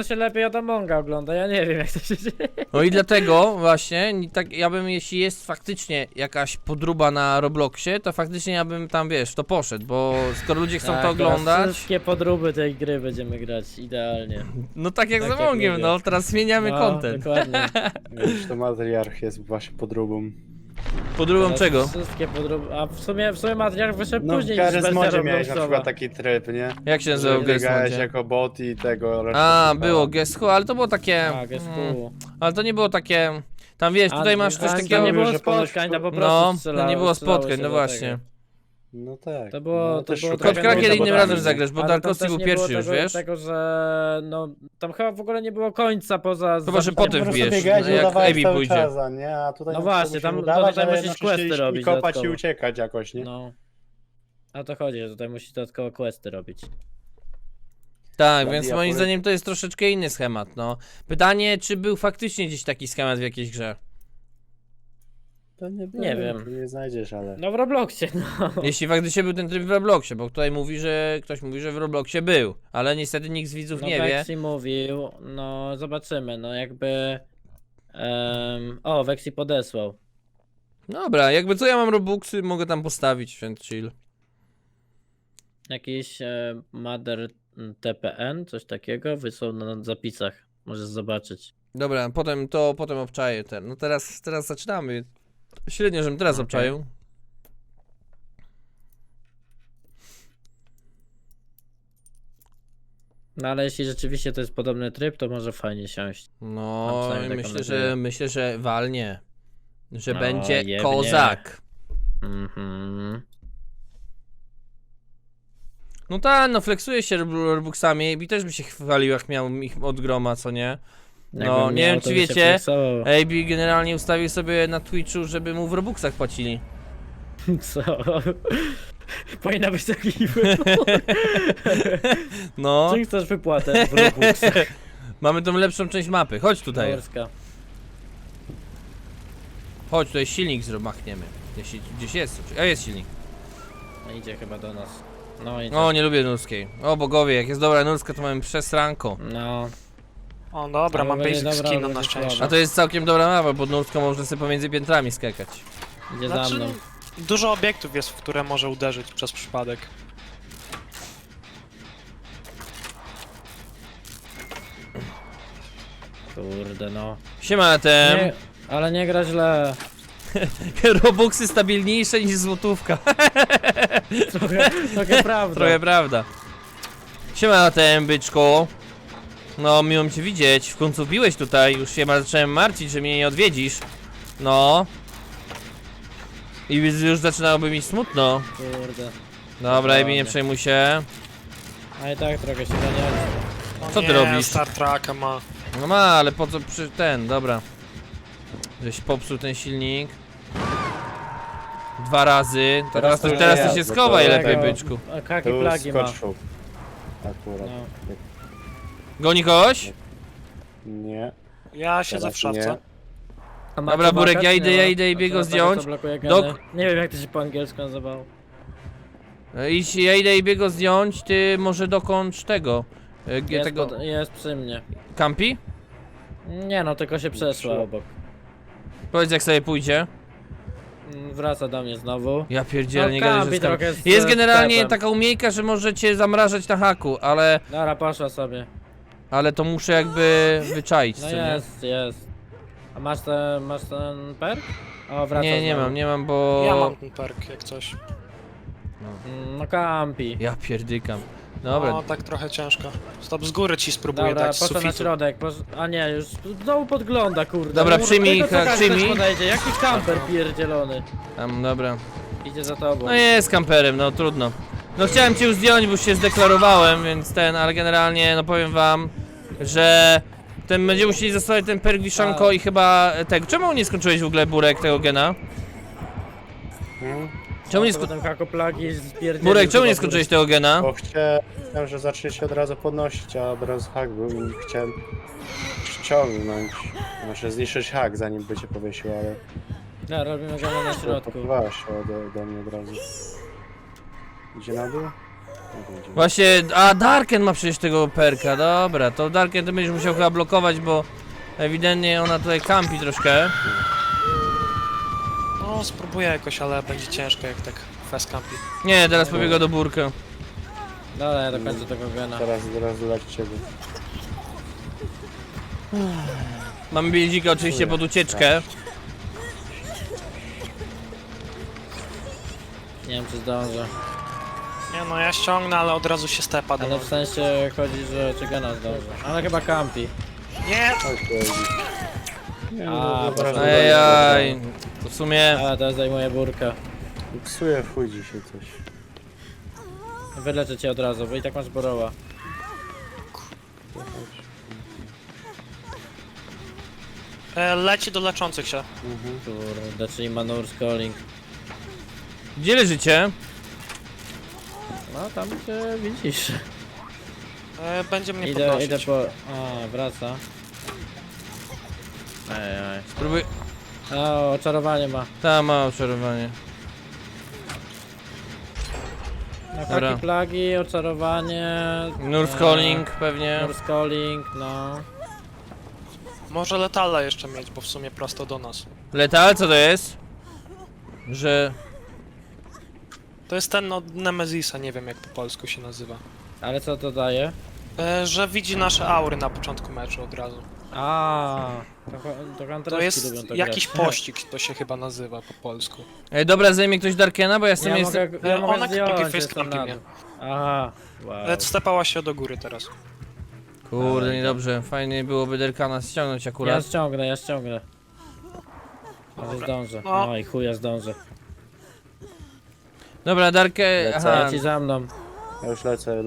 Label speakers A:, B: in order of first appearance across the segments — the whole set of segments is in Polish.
A: się lepiej od Amonga ogląda, ja nie wiem jak to się dzieje.
B: No i dlatego właśnie, tak ja bym, jeśli jest faktycznie jakaś podróba na Robloxie, to faktycznie ja bym tam, wiesz, to poszedł, bo skoro ludzie chcą
A: Tak,
B: to
A: teraz
B: oglądać,
A: wszystkie podróby tej gry będziemy grać idealnie.
B: no tak jak
A: tak
B: z
A: jak
B: Amongiem,
A: lubię.
B: no, teraz zmieniamy
A: No,
B: content.
A: dokładnie.
C: Wiesz, to matriarch jest właśnie podróbą.
B: Podróbą
A: Teraz
B: czego?
A: Wszystkie podróby, a w sumie materiał wyszedł
C: No w
A: później niż
C: Garry's
A: wersja
C: Modzie miałeś na
A: Robloxowa.
C: przykład taki tryb, nie?
B: Jak się
C: Że
B: nazywał Guest
C: biegałeś
B: Modzie?
C: jako bot i tego...
B: A, było Guess Who, ale to było takie...
A: Tak, jest pół.
B: ale to nie było takie... Tam wiesz, tutaj masz coś
A: tam
B: takiego...
A: nie było
C: że ponoć-
A: spotkań, to po prostu
B: No, to
A: strzelało,
B: nie było
A: strzelało
B: spotkań,
A: się
B: no
A: do
B: właśnie.
A: tego.
C: No tak.
A: To było-
C: no,
A: to
C: też
A: było
C: szukałem
A: trochę
B: Kod Krakier
A: nudne,
B: innym
A: bo
B: razem
A: tam-
B: zagrasz, bo
A: ale tam
B: Darkowski
A: też
B: był
A: nie było
B: pierwszy już,
A: tego,
B: wiesz?
A: Tego, że no, tam chyba w ogóle nie było końca poza...
B: Chyba, że
A: zabiciem.
B: potem
C: Po prostu
B: wbijesz,
C: biegałeś i
B: jak
C: udawałeś
B: Abby
C: cały
B: pójdzie.
C: czas, a nie? A tutaj
A: No
C: na
A: właśnie,
C: przykład
A: tam-
C: musisz
A: no
C: udawać,
A: tutaj
C: ale
A: musisz
C: jednocześnie
A: questy
C: iść
A: robić
C: i kopać i
A: dodatkowo.
C: uciekać jakoś, nie?
A: No. A to chodzi, że tutaj musisz dodatkowo questy robić.
B: Tak,
C: Dla
B: więc moim
C: diabły.
B: zdaniem to jest troszeczkę inny schemat, no. Pytanie, czy był faktycznie gdzieś taki schemat w jakiejś grze?
C: To
A: Nie wiem.
C: to nie znajdziesz, ale...
A: No w Robloxie, no.
B: Jeśli faktycznie był ten tryb w Robloxie, bo tutaj mówi, że ktoś mówi, że w Robloxie był, ale niestety nikt z widzów
A: No
B: nie wie.
A: Vexi mówił, no zobaczymy, no jakby... O, Vexi podesłał.
B: Dobra, jakby co ja mam Robuxy, mogę tam postawić, więc chill.
A: Jakiś Mother TPN, coś takiego, wysłał na zapisach. Możesz zobaczyć.
B: Dobra, potem obczaję ten. No teraz zaczynamy. Średnio, żebym teraz
A: Okej.
B: obczaił.
A: No ale jeśli rzeczywiście to jest podobny tryb, to może fajnie siąść.
B: No,
A: Mam przynajmniej taką nadzieję.
B: myślę, że walnie. Że
A: No,
B: będzie
A: jebnie.
B: kozak.
A: Mhm.
B: No tak, no flexuje się Robuxami i też by się chwalił, jak miał ich od groma, co nie? No,
A: Jakbym
B: nie
A: miał,
B: wiem,
A: to
B: czy
A: by się
B: wiecie,
A: flexował.
B: AB generalnie ustawił sobie na Twitchu, żeby mu w Robuxach płacili.
A: Co? Powinna być taki
B: No,
A: Czy chcesz wypłatę w Robuxach?
B: mamy tą lepszą część mapy. Chodź tutaj.
A: Polska.
B: Chodź, tutaj silnik machniemy. Gdzieś jest. A jest silnik.
A: No idzie chyba do nas. No idzie.
B: O, nie lubię nurskiej. O bogowie, jak jest dobra nurska, to mamy przesranko.
A: No.
D: O dobra,
A: Ale
D: mam
A: będzie
D: basic
A: dobra,
D: skin na
A: będzie
D: szczęście.
B: A to jest całkiem dobra mapa, bo nurską można sobie pomiędzy piętrami skakać.
A: Idzie za
D: Znaczy,
A: mną.
D: dużo obiektów jest, w które może uderzyć przez przypadek.
A: Kurde no.
B: Siema, tem.
A: Nie, ale nie gra źle.
B: Robuxy stabilniejsze niż złotówka.
A: Trochę prawda.
B: Trochę prawda. Siema, tem, byczku. No, miło cię widzieć. W końcu biłeś tutaj. Już się zacząłem martwić, że mnie nie odwiedzisz. No. I już zaczynałoby mi smutno.
A: Kurde.
B: Dobra,
A: Dokładnie.
B: Ebi, nie przejmuj się.
A: A i tak trochę się ganiali.
D: O
B: Co ty
D: nie,
B: robisz?
D: Star Treka ma.
B: No ma, ale po co przy ten, dobra. Żeś popsuł ten silnik. 2 razy. Teraz to
C: ja,
B: się
C: bo
B: schowaj
C: to
B: lepiej,
C: tego-
B: byczku.
A: A kaki
C: Tu
A: plagi ma.
C: skoczył. Akurat.
A: No.
B: Goni kogoś?
C: Nie.
D: Ja siedzę
C: Teraz
D: w szafce.
C: nie.
A: A ma
B: Dobra,
A: to
B: Burek,
A: blokać?
B: ja
A: Nie
B: idę
A: ma.
B: i biego
A: A to
B: zdjąć.
A: blokuje
B: Dok-
A: geny. Nie wiem jak to się po angielsku nazywało.
B: Idź, ja idę i biego zdjąć, ty może dokończ tego.
A: Jest,
B: Tego.
A: jest przy mnie.
B: Campi?
A: Nie no, tylko się przeszła obok.
B: Powiedz jak sobie pójdzie.
A: Wraca do mnie znowu.
B: Ja pierdzielę,
A: No,
B: nie gadaj, że
A: campi
B: jest campi.
A: trochę z
B: Jest generalnie
A: sklepem.
B: taka umiejka, że możecie zamrażać na haku,
A: Dobra, poszła sobie.
B: ale to muszę jakby wyczaić,
A: No
B: co nie?
A: jest. A masz ten perk? O, wraca
B: Nie
A: znowu.
B: nie mam, bo...
D: Ja mam ten perk, jak coś.
A: No campi.
B: Ja pierdykam. Dobra,
D: O, tak trochę ciężko. Stop, z góry ci spróbuję
A: Dobra,
D: dać z
A: poszła na
D: sufitu.
A: środek. A nie, już znowu podgląda, kurde.
B: Dobra,
A: No,
B: przyjmij,
A: tylko co każdy
B: przyjmij.
A: też podejdzie. Jaki kamper pierdzielony.
B: tam, dobra.
A: Idzie za tobą.
B: No jest kamperem, no trudno. No chciałem cię już zdjąć, bo już się zdeklarowałem, więc ale generalnie, no powiem wam, że będziemy musieli zostawić ten perk wiszanko i chyba tego. Czemu nie skończyłeś w ogóle, Burek, tego gena?
C: Hmm?
B: Czemu nie
A: Potem kakoplagi spierdzielił.
B: Burek, czemu nie
A: chyba,
B: skończyłeś tego gena?
C: Bo chciałem, że zacznie się od razu podnosić, a od razu hak był i chciałem ściągnąć. Znaczy zniszczyć hak zanim by cię powiesił, ale...
A: No, robimy go na środku.
C: Popływała się ode mnie od razu. Idzie na dół?
B: Właśnie, a Darken ma przecież tego perka, dobra, to Darken to będziesz musiał chyba blokować, bo ewidentnie ona tutaj kampi troszkę.
D: No, spróbuję jakoś, ale będzie ciężko jak tak fast campi.
B: Nie, teraz pobiega do burkę.
A: Dobra, ja dokończę tego gena.
C: Teraz leć ciebie.
B: Mamy biedzika oczywiście pod ucieczkę.
A: Nie wiem czy zdążę.
D: Nie no, ja ściągnę, ale od razu się stepa do
A: Ale w sensie chodzi, że czy gena zdążę. Ale chyba campi.
D: Nie!
C: Oj, nie,
A: A,
C: od razu
B: Ajajaj, to w sumie...
A: A, teraz zajmuję burkę.
C: Psuje w chuj dzisiaj coś.
A: Wyleczę cię od razu, bo i tak masz boroła.
D: Leci do leczących się.
A: Kurde, czyli Manur Calling.
B: Gdzie leżycie?
A: No tam gdzie widzisz.
D: Będzie mnie
A: Idę
D: podnosić.
A: po... A, wraca. Ej.
B: Spróbuj...
A: O, oczarowanie ma.
B: Tam ma oczarowanie.
A: No,
B: Dobra.
A: haki plagi, oczarowanie...
B: Nurse Calling pewnie.
A: Nurse Calling, no.
D: Może letala jeszcze mieć, bo w sumie prosto do nas.
B: Letal, co to jest? Że...
D: To jest ten od Nemezisa, nie wiem jak po polsku się nazywa.
A: Ale co to daje?
D: Że widzi nasze aury na początku meczu od razu.
A: A, to
D: To
A: kantereski
D: jest
A: lubią to
D: jakiś
A: grać.
D: pościg, to się chyba nazywa po polsku.
B: Ej, dobra, zajmie ktoś Darkena, bo ja jestem...
A: Ja
B: jestem...
A: mogę, ja mogę
D: Ona
A: zdjąć,
D: drugi face
A: jestem
D: campi
A: na
D: mnie.
A: dół. Aha, wow.
D: Stepała się do góry teraz.
B: Kurde, niedobrze. Fajnie byłoby Darkana ściągnąć
A: Ja
B: akurat.
A: ściągnę. Może zdążę.
D: No.
A: No i chuja zdążę.
B: Dobra, Darkę...
C: Lecę.
B: Aha,
A: Ja ci za mną.
C: Ja już lecę.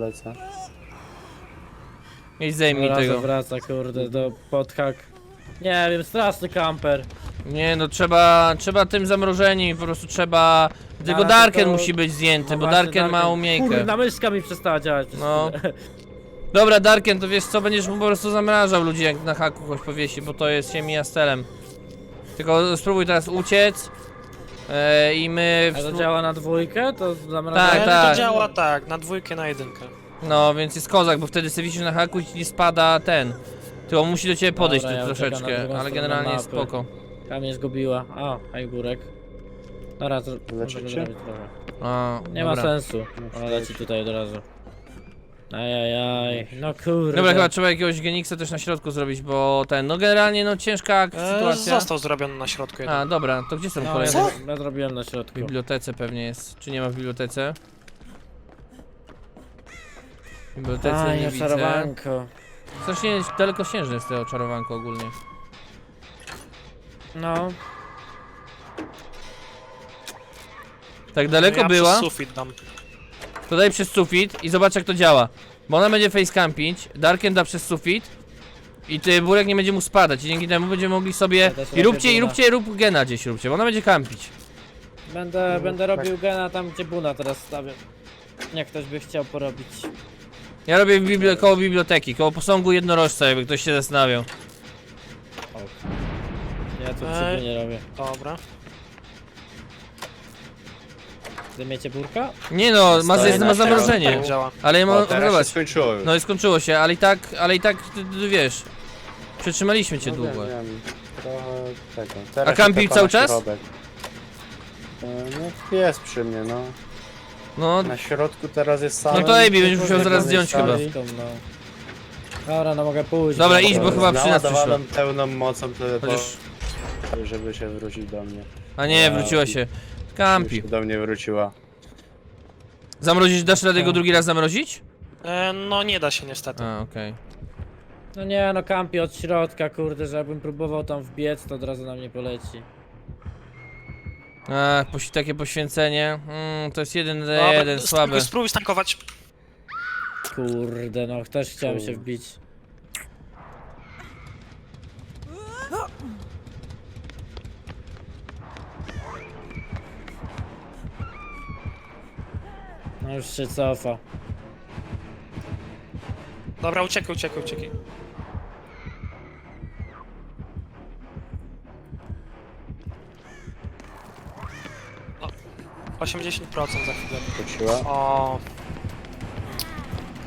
B: idź zajmij
A: Razem
B: tego.
A: wraca, kurde, do podhak. Nie wiem, straszny kamper.
B: Nie no, trzeba tym zamrożeni, po prostu trzeba... Tylko
A: Ale
B: Darken
A: to-
B: musi być zdjęty,
A: No
B: bo
A: właśnie,
B: Darken ma umiejkę.
A: Kurna, myszka mi przestała działać.
B: No. Dobra, Darken, to wiesz co, będziesz mu po prostu zamrażał ludzi, jak na haku kogoś powiesi, bo to jest ziemi jastelem. Tylko spróbuj teraz uciec. I my...
A: A to działa na dwójkę? To
B: Tak,
A: zamrażanie?
B: tak.
D: To działa tak, na dwójkę, na jedynkę.
B: No, więc jest kozak, bo wtedy sobie wisisz na haku i ci nie spada ten. Ty on musi do ciebie podejść
A: Dobra,
B: tu
A: ja uciekam na
B: troszeczkę,
A: drugą
B: ale
A: stronę
B: generalnie jest
A: mapy.
B: spoko.
A: Tam mnie zgubiła. A, hajgurek. Dobra, to
C: Leczycie?
A: może zrobić trochę.
B: A,
A: Nie
B: dobra.
A: ma sensu. Ona leci tutaj od razu. Ajajaj, no kurde.
B: Dobra, chyba trzeba jakiegoś Geniksa też na środku zrobić, bo ten, no generalnie no ciężka sytuacja.
D: Został zrobiony na środku jeden.
B: A, dobra, to gdzie są
A: No,
B: kolejne?
A: ja zrobiłem na środku.
B: W bibliotece pewnie jest. Czy nie ma w bibliotece? W bibliotece
A: Aj,
B: nie widzę.
A: oczarowanko.
B: Strasznie dalekosiężne jest to oczarowanko ogólnie.
A: No.
B: Tak daleko
D: ja
B: była,
D: Przez sufit dam.
B: to daj przez sufit i zobacz jak to działa. Bo ona będzie facecampić, Darken da przez sufit i ty burek nie będzie mu spadać i dzięki temu będziemy mogli sobie...
A: Ja też
B: I
A: robię
B: rób gena gdzieś róbcie, bo ona będzie kampić.
A: Będę robił gena tam, gdzie Buna teraz stawiam. Jak ktoś by chciał porobić.
B: Ja robię koło biblioteki, koło posągu jednorożca, jakby ktoś się zastanawiał.
A: Ja tu przy nie robię.
D: Dobra.
A: Zamiecie burka?
B: Nie no, ma
C: na
B: zamrożenie.
D: Tak działa.
B: Ale ja mam...
C: O, teraz się
B: Zobacz,
C: skończyło już.
B: no i skończyło się, ale i tak, ty wiesz, przetrzymaliśmy cię
C: No
B: długo.
C: wiem. Trochę tego. Teraz
B: A kampi
C: się tepa
B: cały
C: na
B: czas?
C: środek. No jest przy mnie, no.
B: No,
C: Na środku teraz jest sam.
B: No to Ejbi, będziesz musiał zaraz zdjąć chyba.
A: No. Dobra, no mogę pójść.
B: Dobra, idź, bo chyba przy nas
C: Naładowaną pełną mocą,
B: chociaż...
C: żeby się wrócić do mnie.
B: A nie, wróciła się.
C: Żeby
B: Kampi.
C: się do mnie wróciła.
B: Zamrozić, dasz radę go drugi raz zamrozić?
D: No nie da się niestety.
B: A, okej.
A: No nie, no kampi od środka, kurde, że jakbym próbował tam wbiec, to od razu na mnie poleci.
B: Ach, takie poświęcenie. To jest jeden na
D: Dobra,
B: jeden, słaby.
D: Spróbuj stankować.
A: Kurde, no też chciałem się wbić. No już się cofa.
D: Dobra, uciekaj. 80% za chwilę.
C: Wróciła.
D: O,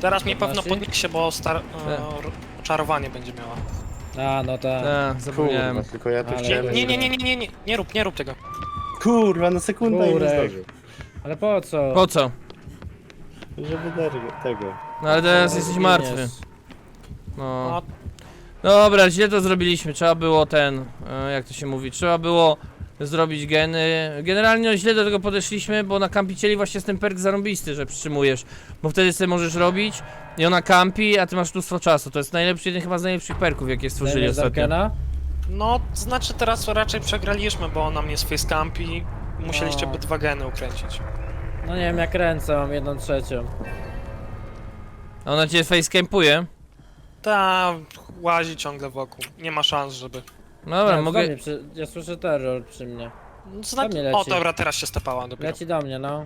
D: Teraz mnie pewno
A: Nasi?
D: podniesie, bo czarowanie będzie miała.
A: A, no tak.
B: Zapomniałem.
C: Kurwa, tylko ja tu
A: Ale-
C: chciałem...
D: Nie, nie rób tego.
C: Kurwa, na sekundę i nie
A: Kurek.
C: zdążył.
A: Ale po co?
B: Po co?
C: Żeby tego...
B: No ale teraz jesteś martwy.
A: Zginiesz.
B: No.
D: No,
B: Dobra, źle to zrobiliśmy. Trzeba było jak to się mówi, trzeba było zrobić geny. Generalnie no, źle do tego podeszliśmy, bo na kampicieli właśnie jest ten perk zarąbisty, że przytrzymujesz. Bo wtedy sobie możesz robić i ona kampi, a ty masz mnóstwo czasu. To jest najlepszy, jeden chyba z najlepszych perków, jakie stworzyli
A: Zajmiesz
B: ostatnio.
A: Darkena?
D: no, znaczy teraz raczej przegraliśmy, bo ona mnie z facecamp i musieliście
A: No.
D: by 2 geny ukręcić.
A: No nie wiem, jak ręce, mam 1/3.
B: A ona cię facecampuje.
D: Ta łazi ciągle wokół. Nie ma szans, żeby...
B: No dobra,
A: Nie,
B: mogę...
A: do mnie ja słyszę terror przy mnie.
D: Zna...
A: Do mnie leci.
D: O, dobra, teraz się stepała dopiero.
A: Leci do mnie, no.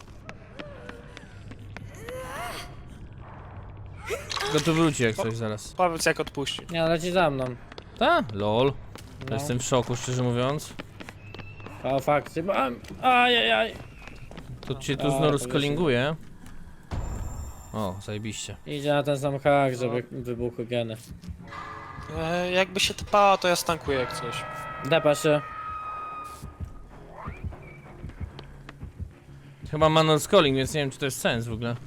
B: Go tu wróci jak coś zaraz.
D: Powiedz jak odpuści.
A: Nie, leci za mną.
B: Ta? Lol.
A: No.
B: Jestem w szoku, szczerze mówiąc.
A: O, fakty. Ajajaj.
B: To cię tu
A: A,
B: znowu
A: to
B: skolinguje. O, zajebiście.
A: Idzie na ten sam hak, żeby wybuchły geny.
D: Jakby się tepała, to ja stankuję jak coś.
A: Depa się.
B: Chyba manual scaling, więc nie wiem czy to jest sens w ogóle.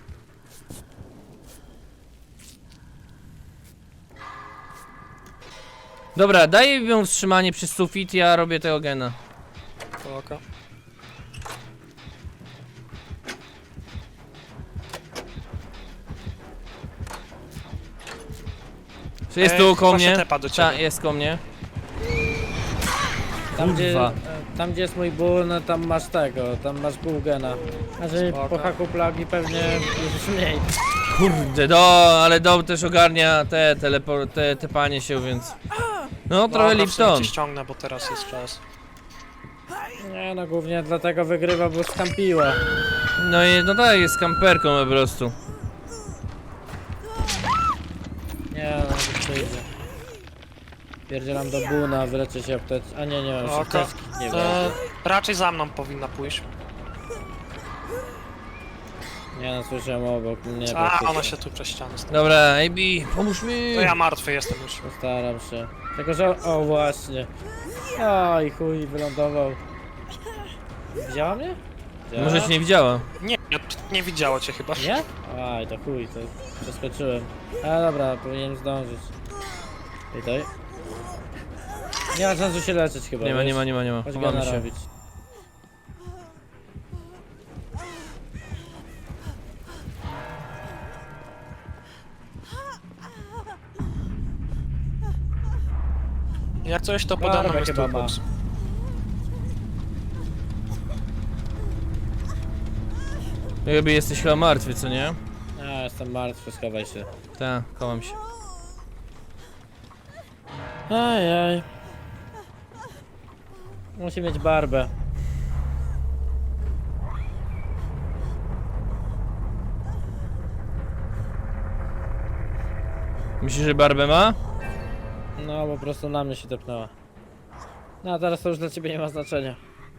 B: Dobra, daję ją wstrzymanie przy sufit, ja robię tego gena.
D: To oka.
B: Czy jest tu koło
D: chyba się
B: mnie?
D: tepa do
B: Ta,
D: ciebie.
B: jest koło mnie.
A: Tam
B: Kurwa.
A: gdzie jest mój ból, no tam masz tego, tam masz pół gena. A że
D: Spoko.
A: po haku plagi pewnie już mniej.
B: Kurde, ale dom też ogarnia te panie się, więc... No, trochę
D: Dobra, w sumie
B: Lipton.
D: cię ściągnę, bo teraz jest czas.
A: Nie no, głównie dlatego wygrywa, bo skampiła.
B: No i no tak, jest kamperką po prostu.
A: Nie no, to przyjdzie. Pierdzielam do buna, wyleczę się aptec... A nie, nie mam
D: Oka.
A: apteczki. Nie wiem.
D: Raczej za mną powinna pójść.
A: Nie no, słyszałem obok. Nie,
D: A,
A: praktycznie.
D: ona się tu przez ścianę stała.
B: Dobra, AB, pomóż mi!
D: To ja martwy jestem już.
A: Postaram się. Tylko, że... O, właśnie. Oj, chuj, wylądował. Widziała mnie? Widziała?
B: Może cię nie widziała.
D: Nie widziało cię chyba.
A: Nie? Aj, to chuj, to przeskoczyłem. A dobra, powinienem zdążyć. Witaj. Nie ma sensu się leczyć chyba,
B: Nie ma,
A: wiesz?
B: nie ma, nie ma, nie ma.
A: Chodź
B: Chowamy
A: gana
B: się.
A: robić.
D: Jak coś to podano
A: Barbę
D: jest
A: chyba
D: tu
A: ma.
D: box.
B: Jakby jesteś chyba martwy, co nie?
A: A, jestem martwy, schowaj się.
B: Tak, kołam się.
A: Ajaj. Musi mieć barbę.
B: Myślisz, że barbę ma?
A: No, po prostu na mnie się tepnęła. No, a teraz to już dla ciebie nie ma znaczenia.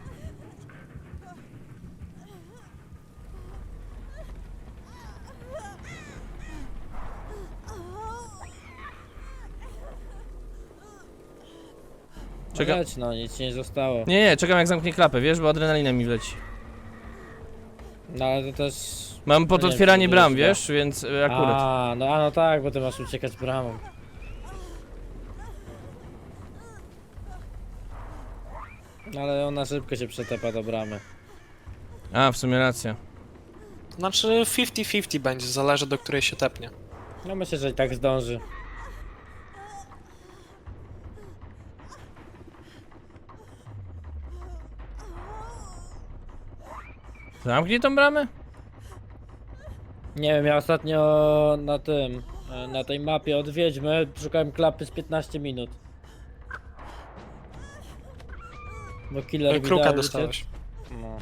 B: Czeka-
A: Leć, no, nic ci nie zostało.
B: Nie, czekam jak zamknie klapę, wiesz, bo adrenalina mi wleci.
A: No, ale to też...
B: Mam pod
A: No nie,
B: otwieranie
A: to
B: bram,
A: jest
B: wiesz, więc akurat.
A: A, no tak, bo ty masz uciekać bramą. No, ale ona szybko się przetepa do bramy.
B: A, w sumie racja.
D: Znaczy 50-50 będzie, zależy do której się tepnie.
A: No myślę, że i tak zdąży.
B: Zamknij tą bramę?
A: Nie wiem, ja ostatnio na tym, na tej mapie od Wiedźmy szukałem klapy z 15 minut. Bo killer mi
D: Kruka
A: dał
D: dostałeś.
A: No,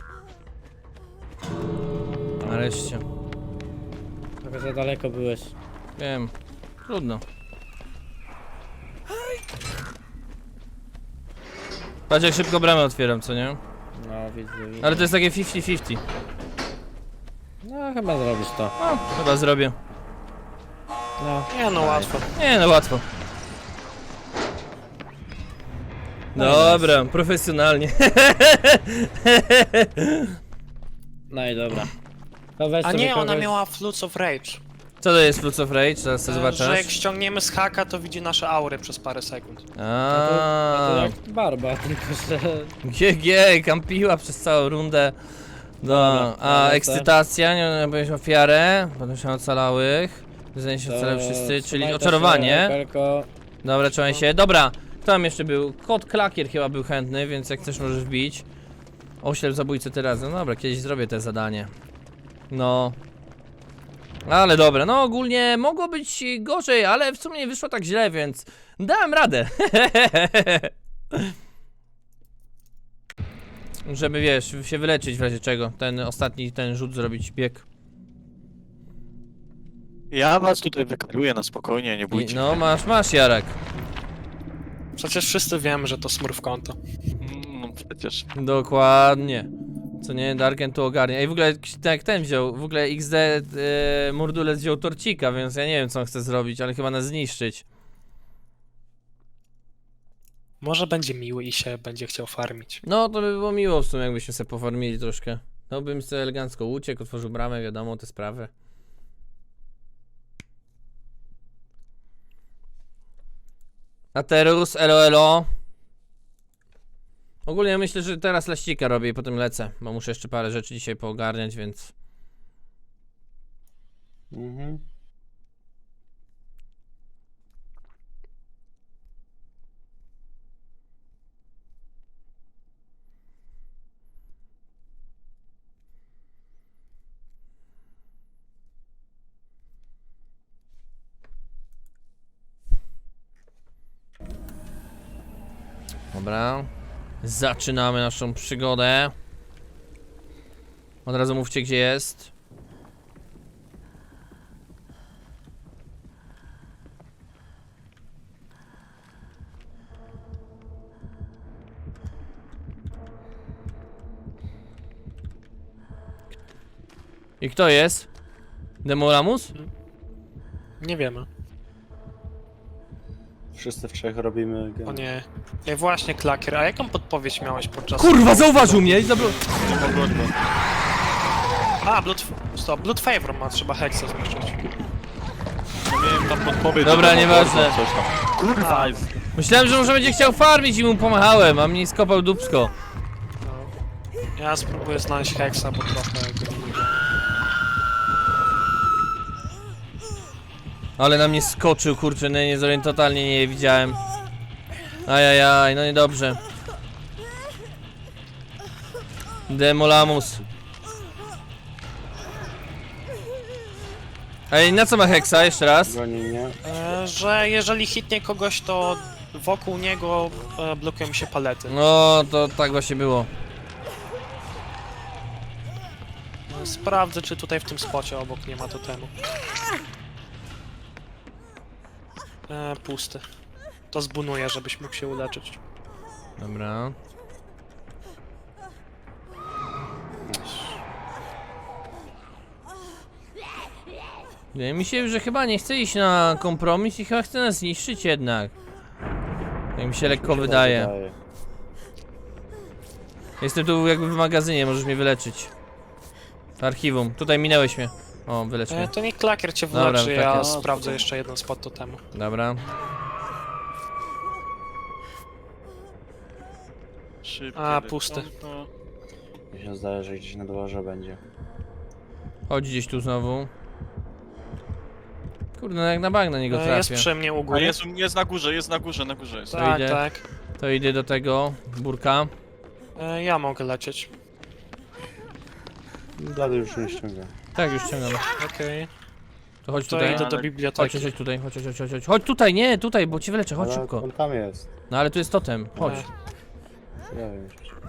B: Nareszcie.
A: trochę za daleko byłeś.
B: Wiem. Trudno. Patrz jak szybko bramę otwieram, co nie?
A: No, widzę.
B: Ale to jest takie 50-50.
A: No chyba zrobisz to.
B: No, chyba zrobię.
A: No.
D: Nie no, łatwo.
B: Nie no, łatwo. Dobra, profesjonalnie.
A: No i dobra. To weź
D: A
A: sobie
D: nie, ona
A: kogoś-
D: miała Flutes of Rage.
B: Co to jest Flutes of Rage? Zaraz to
D: Że jak
B: zobaczysz.
D: ściągniemy z haka, to widzi nasze aury przez parę sekund.
A: No to
B: Aaaa.
A: jak Barba, tylko że...
B: GG, kampiła przez całą rundę. No, a
A: lecę.
B: ekscytacja, nie byłeś ofiarę, potem się ocalałych. Wyznaje się ocalały wszyscy, czyli
A: trzymaj to
B: oczarowanie.
A: się, Pelko.
B: Dobra, trzymaj się. Dobra, kto tam jeszcze był? Kot Klakier chyba był chętny, więc jak chcesz możesz wbić. Oślep zabójcy teraz. No dobra, kiedyś zrobię te zadanie. No. Ale dobra, no ogólnie mogło być gorzej, ale w sumie nie wyszło tak źle, więc dałem radę. Żeby wiesz, się wyleczyć w razie czego. Ten ostatni, ten rzut zrobić, bieg.
E: Ja was tutaj wykaruję na spokojnie, nie bójcie.
B: No masz Jarek.
D: Przecież wszyscy wiemy, że to smurf konto.
E: No przecież.
B: Dokładnie. Co nie, Darken tu ogarnia. I w ogóle tak jak ten wziął, w ogóle XD Mordulec wziął torcika, więc ja nie wiem co on chce zrobić, ale chyba nas zniszczyć.
D: Może będzie miły i się będzie chciał farmić.
B: No to by było miło w sumie, jakbyśmy sobie poformili troszkę. No bym sobie elegancko uciekł, otworzył bramę, wiadomo, te sprawy. Aterus, elo. Ogólnie myślę, że teraz laścika robię i potem lecę, bo muszę jeszcze parę rzeczy dzisiaj poogarniać, więc...
C: Mhm.
B: Dobra. Zaczynamy naszą przygodę. Od razu mówcie gdzie jest. I kto jest? Demolamus?
D: Nie wiemy.
C: Wszyscy w trzech robimy
D: O nie. Ej, właśnie, Klakier, a jaką podpowiedź miałeś podczas...
B: Kurwa, zauważył mnie i zabrał...
D: A, Blood Favor ma, trzeba Hexa zniszczyć.
E: Miałem tam podpowiedź.
B: Dobra,
E: że to
B: nieważne.
E: Coś tam. Kurwa!
B: Myślałem, że może będzie chciał farmić i mu pomachałem, a mnie skopał dupsko.
D: No. Ja spróbuję znaleźć Hexa, bo trochę go nie widzę.
B: Ale na mnie skoczył, kurczę, no nie, totalnie nie widziałem. Ajajaj, no niedobrze. Demolamus. Ej, na co ma Hexa? Jeszcze raz?
C: Goni mnie.
D: Że jeżeli hitnie kogoś, to wokół niego blokują się palety.
B: No, to tak właśnie było.
D: Sprawdzę, czy tutaj w tym spocie obok nie ma totemu. Pusty. To zbunuję, żebyś mógł się uleczyć.
B: Dobra. Wydaje mi się, że chyba nie chce iść na kompromis i chyba chce nas zniszczyć jednak. Jak mi się lekko wydaje. Jestem tu jakby w magazynie, możesz mnie wyleczyć. W archiwum. Tutaj minęłeś mnie. O, wylecz mnie.
D: To niech Klakier cię
B: Dobra,
D: wyleczy, ja
B: Klakier.
D: sprawdzę jeszcze jeden spot totemu.
B: Dobra.
E: Szybkie
D: A, pusty.
E: wykonto.
C: Mi się zdaje, że gdzieś na dworze będzie.
B: Chodź gdzieś tu znowu. Kurde, no jak na bank na niego
D: Jest
B: trafię.
D: przy mnie u
E: A
D: góry.
E: jest na górze, jest na górze, na górze jest.
D: Tak,
B: idzie.
D: tak.
B: To idę do tego burka.
D: Ja mogę lecieć.
C: Blady już nie ściąga.
B: Tak, już ściągam.
D: Okej.
B: To chodź
D: To
B: tutaj.
D: idę do
E: Ale-
D: biblioteki.
B: Chodź tutaj, chodź. Chodź tutaj, nie, tutaj, bo cię wyleczę, chodź
C: Ale
B: szybko.
C: on tam jest.
B: No ale tu jest totem, chodź.
C: Ja wiem.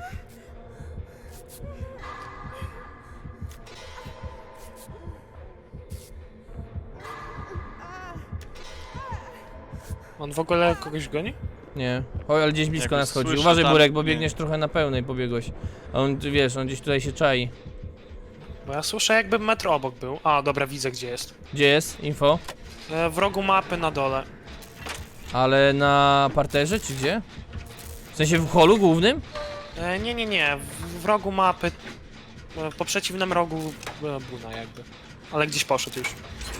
D: On w ogóle kogoś goni?
B: Nie, chodź, ale gdzieś blisko
E: Jakoś
B: nas chodzi.
E: słyszę
B: Uważaj
E: tam,
B: Burek, bo
E: nie.
B: biegniesz trochę na pełnej, pobiegłeś. A on, ty wiesz, on gdzieś tutaj się czai.
D: Bo ja słyszę jakby metr obok był. A, dobra, widzę gdzie jest.
B: Gdzie jest info?
D: W rogu mapy na dole.
B: Ale na parterze czy gdzie? W sensie w holu głównym?
D: Nie. W rogu mapy. Po przeciwnym rogu Buna jakby. Ale gdzieś poszedł już.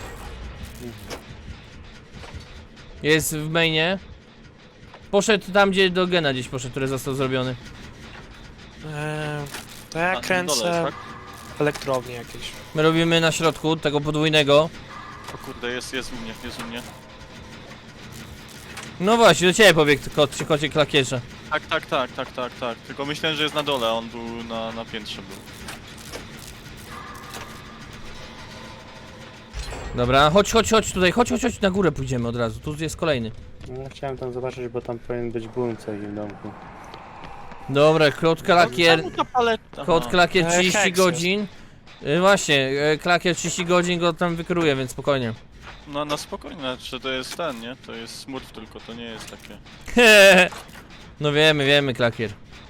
B: Jest w mainie. Poszedł tam, gdzie do gena gdzieś poszedł, który został zrobiony.
D: To ja
E: Na
D: kręcę
E: dole, tak?
D: elektrownię jakieś.
B: My robimy na środku tego podwójnego.
E: O kurde, jest u mnie, jest u mnie.
B: No właśnie, do ciebie pobiegł kocie klakierze.
E: Tak. Tylko myślałem, że jest na dole, a on był na piętrze był.
B: Dobra, chodź tutaj, chodź na górę pójdziemy od razu, tu jest kolejny.
C: No, ja chciałem tam zobaczyć, bo tam powinien być boom w takim domku.
B: Dobra, kot klakier,
E: Czemu ta paleta?
B: kot klakier 30
D: heks
B: godzin. Właśnie, klakier 30 godzin go tam wykruje, więc spokojnie.
E: No na spokojnie, czy to jest ten, nie? To jest smurf tylko, to nie jest takie...
B: No wiemy, klakier.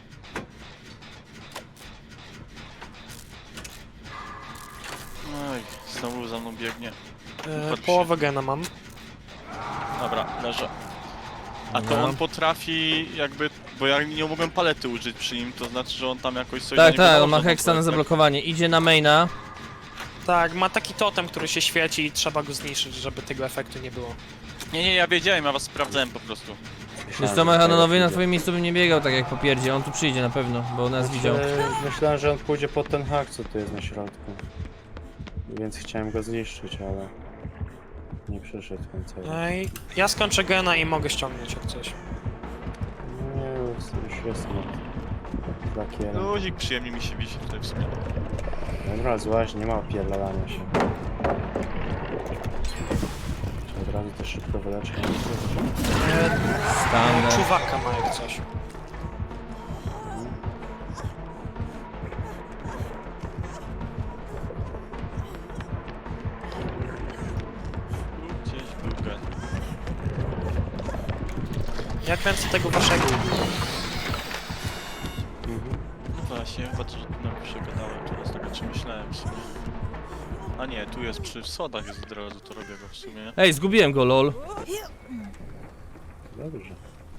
E: Oj, znowu za mną biegnie. Patrz się.
D: Połowę gena mam.
E: Dobra, leżę. A to
B: Dobra.
E: on potrafi jakby... Bo ja nie mogłem palety użyć przy nim, to znaczy, że on tam jakoś coś...
B: Tak,
E: na niego
B: on ma
E: nałożył,
B: heksa na
E: tak?
B: zablokowanie. Idzie na maina.
D: Tak, ma taki totem, który się świeci i trzeba go zniszczyć, żeby tego efektu nie było.
E: Nie, ja wiedziałem, ja was sprawdzałem po prostu.
B: Wiesz co, Mechanonowy na twoim miejscu bym nie biegał tak jak po pierdzie. On tu przyjdzie na pewno, bo nas widział.
C: Myślałem, że on pójdzie pod ten hak, co tu jest na środku. Więc chciałem go zniszczyć, ale... Nie przyszedł końcowo.
D: Ej, ja skończę gena i mogę ściągnąć jak coś.
C: Nie, już jestem od lakierem.
E: Luzik przyjemnie mi się wisi tutaj w sumie.
C: Dobra, złaź, nie ma opierdalania się. Czy od razu to szybko wyleczyć?
B: Standard.
D: Czuwaka ma jak coś.
E: Gdzieś był gen.
D: Ja kręcę tego waszego.
E: Właśnie, chyba to przegadałem teraz, tak o czym myślałem w sumie. A nie, tu jest przy sodach jest od razu, to robię go w sumie.
B: Ej, zgubiłem go, lol.
C: Dobrze.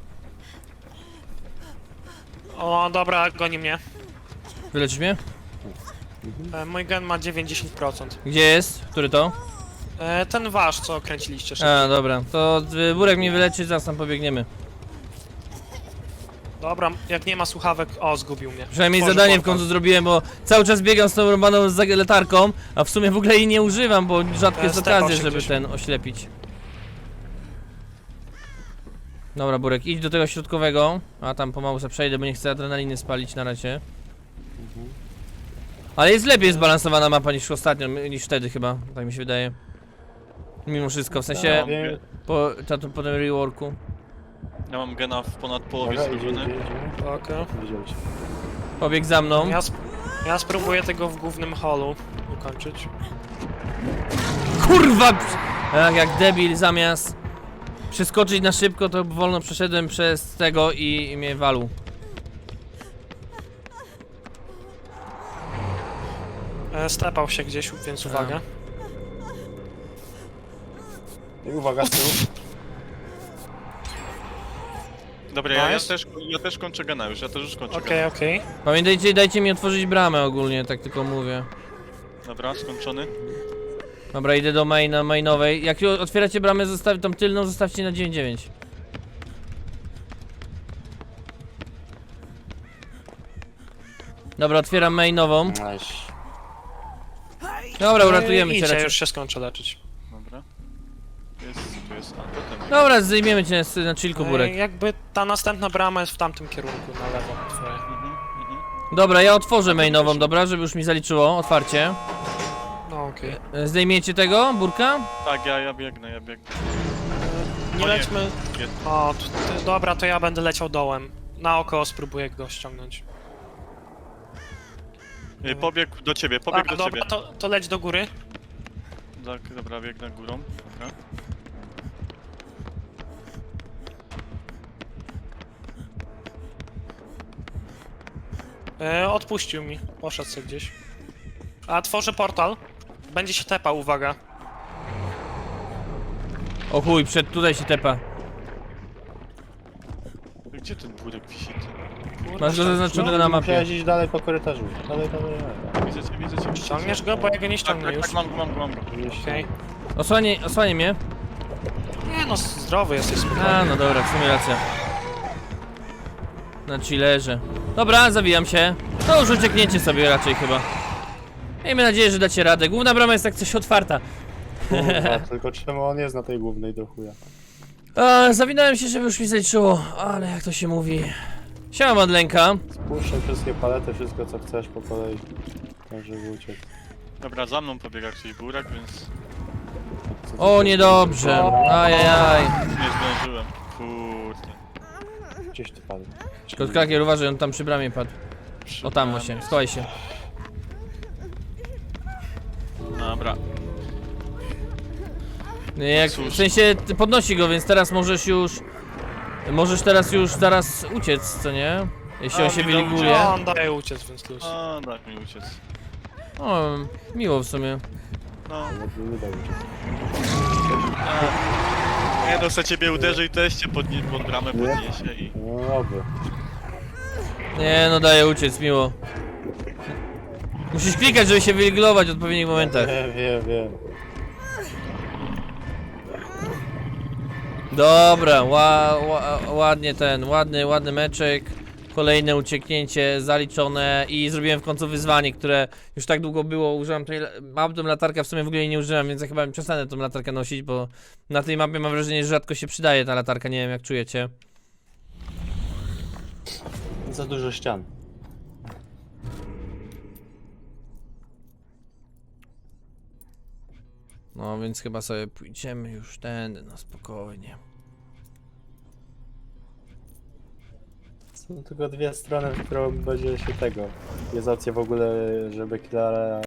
D: O, dobra, goni mnie.
B: Wyleczysz mnie?
D: Mój gen ma 90%.
B: Gdzie jest? Który to?
D: Ten wasz, co kręciliście szybko.
B: A, dobra. To Burek mnie wyleczy, zaraz tam pobiegniemy.
D: Dobra, jak nie ma słuchawek... O, zgubił mnie.
B: Przynajmniej
D: Tworzy
B: zadanie w
D: portal.
B: końcu zrobiłem, bo cały czas biegam z tą robaną z latarką, a w sumie w ogóle jej nie używam, bo rzadko jest
D: Stepał
B: okazja,
D: się
B: żeby
D: gdzieś.
B: ten oślepić. Dobra, Burek, idź do tego środkowego, a tam pomału sobie przejdę, bo nie chcę adrenaliny spalić na razie. Ale jest lepiej zbalansowana mapa niż ostatnio, niż wtedy chyba, tak mi się wydaje. Mimo wszystko, w sensie
C: Wiem.
B: po tym reworku.
E: Ja mam gena w ponad połowie
C: Dobra, idzie.
E: zrobiony.
D: Okej.
C: Widział cię.
B: Pobieg za mną.
D: Ja spróbuję tego w głównym holu ukończyć.
B: Kurwa! Jak debil, zamiast przeskoczyć na szybko, to wolno przeszedłem przez tego i mnie walł.
D: Stepał się gdzieś, więc uwaga.
C: I uwaga, z tyłu.
E: Dobra,
D: Nice.
E: ja też kończę gena już, ja też już kończę
D: Okej,
E: gena.
D: okej.
B: Pamiętajcie, dajcie mi otworzyć bramę ogólnie, tak tylko mówię.
E: Dobra, skończony.
B: Dobra, idę do mainowej. Jak otwieracie bramę, tą tylną zostawcie na 9-9. Dobra, otwieram mainową.
C: Nice.
B: Dobra, uratujemy cię
D: Idźcie,
B: raczej.
D: już się skończę leczyć.
E: Dobra. Tu jest, a totem.
B: Dobra, zdejmiemy cię na chillku, Burek.
D: Jakby ta następna brama jest w tamtym kierunku, na lewo twoje.
E: Mhm.
B: Dobra, ja otworzę mainową, dobra, żeby już mi zaliczyło otwarcie.
D: No okej.
B: Zdejmiecie tego, Burka?
E: Tak, ja biegnę.
D: Nie
E: O nie.
D: lećmy...
E: Jest.
D: O, dobra, to ja będę leciał dołem. Naokoło spróbuję go ściągnąć.
E: Pobiegł do ciebie, pobiegł do ciebie.
D: dobra, to leć do góry.
E: Tak, dobra, biegnę górą. Dobra.
D: Odpuścił mi, poszedł sobie gdzieś. A tworzę portal. Będzie się tepał, uwaga.
B: O chuj, tutaj się tepa.
E: Gdzie ten burek wisi? Ty?
B: Masz go zaznaczonego na mapie.
C: Musiałeś iść dalej po korytarzu. Dalej.
E: Widzę cię.
D: Ściągniesz go, bo ja go nie ściągnę już.
E: Tak, mam go.
D: Okej.
B: Osłanie mnie.
D: Nie no, zdrowy jesteś, spokojnie.
B: A, no dobra, w sumie racja. Na chillerze. Dobra, zawijam się. To już uciekniecie sobie raczej chyba. Miejmy nadzieję, że dacie radę. Główna brama jest tak coś otwarta.
C: Kurwa, tylko czemu on jest na tej głównej do chuja?
B: Zawinąłem się, żeby już mi zaliczyło, ale jak to się mówi. Siema Madlenka.
C: Spuszczaj wszystkie palety, wszystko co chcesz po kolei. Tak, żeby uciec.
E: Dobra, za mną pobiega czyli burak, więc
B: O, niedobrze. Ajajaj.
E: nie zdążyłem. Kurde.
C: Gdzieś ty padł.
B: Kotkrakier, uważaj, on tam przy bramie padł. O, tam właśnie, schowaj się.
E: Dobra.
B: Nie, jak,
E: Cóż.
B: w sensie ty podnosi go, więc teraz możesz już... Możesz teraz już zaraz uciec, co nie? Jeśli on się
E: mi
B: wyliguje.
D: No, on daje uciec, więc luz.
E: A, daj mi uciec.
B: O, miło w sumie.
E: No,
C: Nie da uciec.
E: nie no, se ciebie uderzy i też cię pod bramę podniesie i...
C: No oby.
B: Nie, no daje uciec, miło. Musisz klikać, żeby się wyliglować w odpowiednich momentach.
C: Wiem.
B: Dobra, ładnie ładny meczek. Kolejne ucieknięcie zaliczone i zrobiłem w końcu wyzwanie, które już tak długo było. Użyłem tej, mam tą latarkę, w sumie w ogóle jej nie używam, więc ja chyba przestanę tą latarkę nosić, bo na tej mapie mam wrażenie, że rzadko się przydaje ta latarka, nie wiem jak czujecie.
C: Za dużo ścian.
B: No więc chyba sobie pójdziemy już tędy, no spokojnie.
C: Są tylko dwie strony, w którą będzie się tego. Jest opcja w ogóle, żeby killera